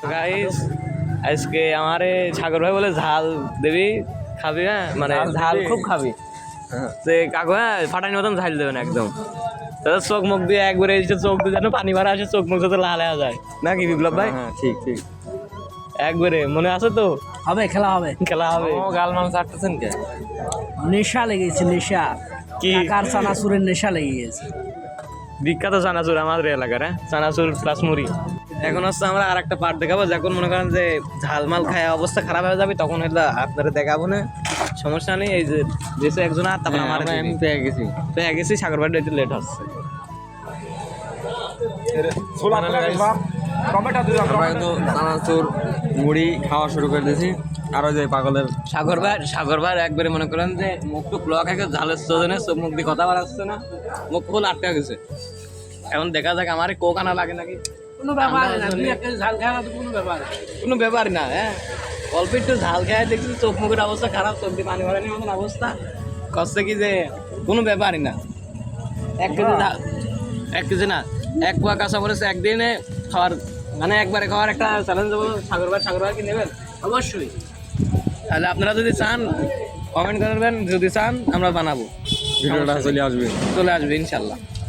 Guys আজকে আমারে সাগর ভাই বলে ঝাল দেবি খাবি, হ্যাঁ মানে ঝাল খুব খাবি, সে কাকু হ্যাঁ ফাটানির মতন ঝাল দেবেন একদম। তাহলে চোখ মুখ দিয়ে একবারে এসে চোখ দিয়ে যেন পানি ভরা আসে, চোখ মুখ যাতে লাল হয়ে যায় নাকি বিপ্লব ভাই? হ্যাঁ ঠিক ঠিক একবারে মনে আছে তো? হবে, খেলা হবে। খেলা হবে। ও গাল মাল চাটতেছেন কে? নেশা লেগেছে, নেশা। কি? কাকার চানাচুরের নেশা লেগে গেছে। বিখ্যাত চানাচুর আমাদের এলাকার, হ্যাঁ চানাচুর প্লাস মুড়ি। এখন হচ্ছে আমরা আর একটা পার্ট দেখাবো, যখন মনে করেন যে ঝালমাল খায় অবস্থা খারাপ হয়ে যাবে, তখন হইলে আপনারা দেখাবো না, সমস্যা নেই। এই যে যেসে একজন আর তারপর আমার আমি পেয়ে গেছি। পেয়ে গেছি, সাগর বাড়িটা একটু লেট হচ্ছে। আমরা কিন্তু চানাচুর মুড়ি খাওয়া শুরু করে দিয়েছি। আরো যে পাগলের সাগর ভাই একবারে মনে করেন যে মুখ টুক ব্লক হয়ে গেছে, ঝালের সোজনে চোখ মুখ দিয়ে কথা বাড়াচ্ছে না, মুখ ফুল আটকে গেছে। এখন দেখা যাক আমার কোক আনা লাগে নাকি। কোনো ব্যাপার না, দুই একটা ঝাল খাওয়া তো কোনো ব্যাপার না। কোনো ব্যাপার না, হ্যাঁ অল্প একটু ঝাল খায় দেখছি চোখ মুখের অবস্থা খারাপ, চোখ দিয়ে পানি ভরানির মতন অবস্থা কষ্ট, কি যে কোনো ব্যাপারই না। 1 কেজি ঝাল, 1 কেজি না, 1 পোয়া কাঁচা মরিচ একদিনে খাওয়ার, মানে একবারে খাওয়ার একটা চ্যালেঞ্জ দেবো। সাগর ভাই কি নেবেন? অবশ্যই। তাহলে আপনারা যদি চান কমেন্ট করবেন, যদি চান আমরা বানাবো, ভিডিওটা চলে আসবে চলে আসবে ইনশাল্লাহ।